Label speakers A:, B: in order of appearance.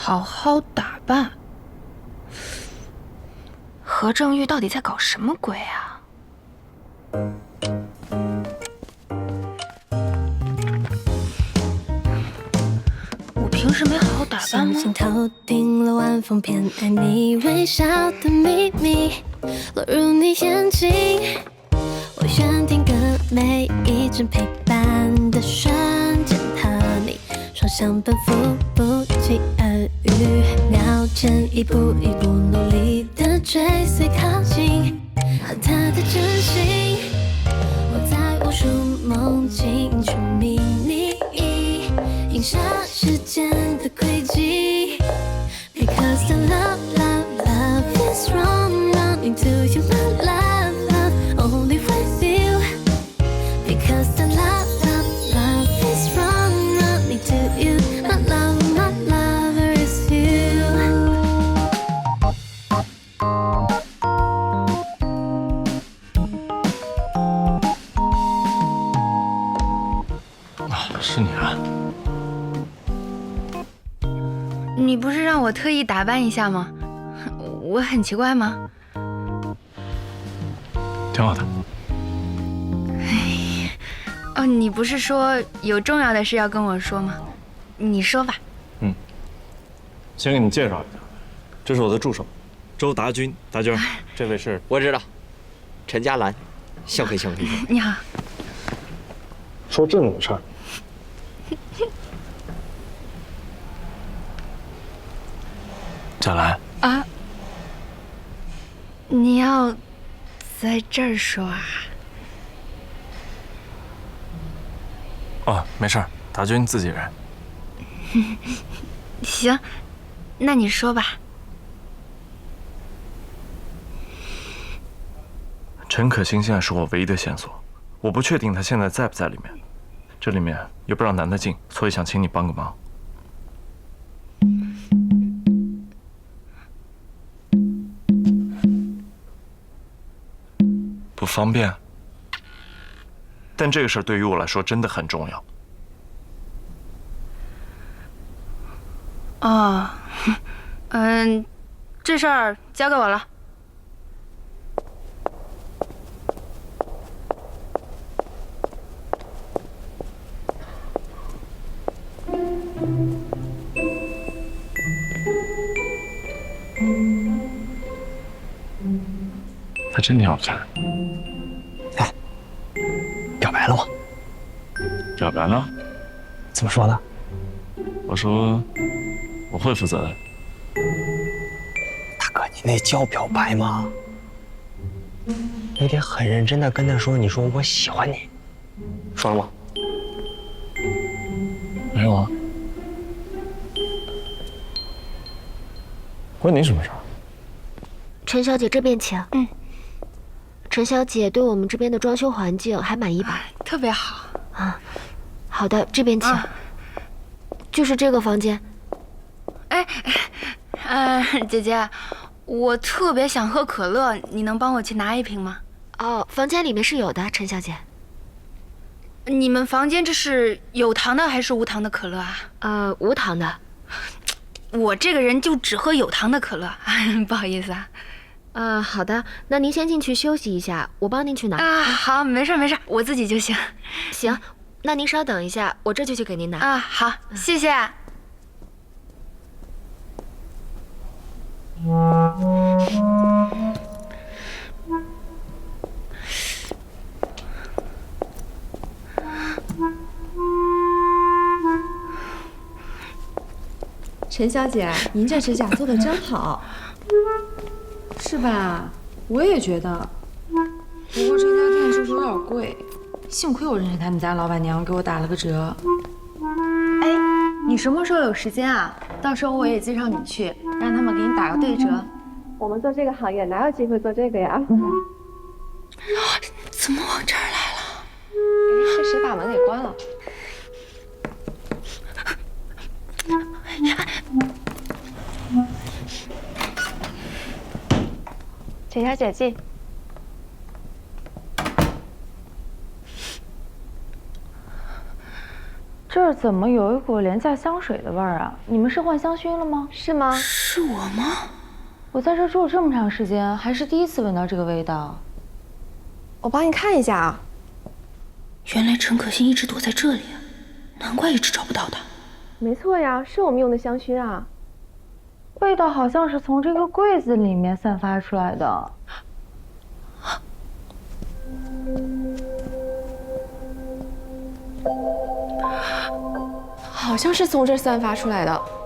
A: 好好打扮。何正玉到底在搞什么鬼啊？我平时没好好打扮吗？
B: 星星头顶了晚风片，爱你微笑的秘密落入你眼睛。我选定格每一帧陪伴的瞬间，和你双向奔赴，不期而遇。秒间一步一步努力的追随靠近，和他的真心，我在无数梦境去迷你，映射时间的轨迹。Because the love is wrong, running to you, my love, only with you. Because the love is wrong, running to you, my lover is you.
C: 是你啊！
A: 你不是让我特意打扮一下吗？我很奇怪吗？
C: 挺好的。
A: 哦，你不是说有重要的事要跟我说吗？你说吧。
C: 先给你介绍一下，这是我的助手，周达君，达君，这位是
D: 我知道，陈嘉兰，幸会幸会。
A: 你好。
C: 说正经事儿。贾兰
A: 啊，你要在这儿说啊？
C: 哦，没事儿，达君自己人。
A: 行，那你说吧。
C: 陈可辛现在是我唯一的线索，我不确定他现在在不在里面，这里面又不让男的进，所以想请你帮个忙。不方便，但这个事儿对于我来说真的很重要。
A: 哦，这事儿交给我了。
C: 他真挺好看。
E: 哎，表白了吗？
C: 表白了？
E: 怎么说的？
C: 我说我会负责的。
E: 大哥，你那叫表白吗？你得很认真的跟他说，你说我喜欢你，说了吗？
C: 没有啊。关你什么事儿？
F: 陈小姐这边请。陈小姐对我们这边的装修环境还满意吧？
A: 特别好
F: 啊。好的，这边请。就是这个房间。
A: 姐姐，我特别想喝可乐，你能帮我去拿一瓶吗？
F: 哦，房间里面是有的，陈小姐。
A: 你们房间这是有糖的还是无糖的可乐啊？
F: 无糖的。
A: 我这个人就只喝有糖的可乐，不好意思啊。
F: 好的，那您先进去休息一下，我帮您去拿。
A: 好，没事没事，我自己就行。
F: 行，那您稍等一下，我这就去给您拿。
A: 好，谢谢。
G: 陈小姐，您这指甲做的真好，是吧？我也觉得。不过这家店就是有点贵，幸亏我认识他们家老板娘，给我打了个折。
H: 哎，你什么时候有时间啊？到时候我也介绍你去，让他们给你打个对折。
I: 我们做这个行业哪有机会做这个呀？
A: 怎么往这儿来了？
I: 是谁把门给关了？陈小姐进。
G: 这儿怎么有一股廉价香水的味儿啊？你们是换香薰了吗？
H: 是吗？
A: 是我吗？
G: 我在这住了这么长时间，还是第一次闻到这个味道。
H: 我帮你看一下啊。
A: 原来陈可辛一直躲在这里，难怪一直找不到他。
I: 没错呀，是我们用的香薰啊。
G: 味道好像是从这个柜子里面散发出来的。
I: 好像是从这儿散发出来的。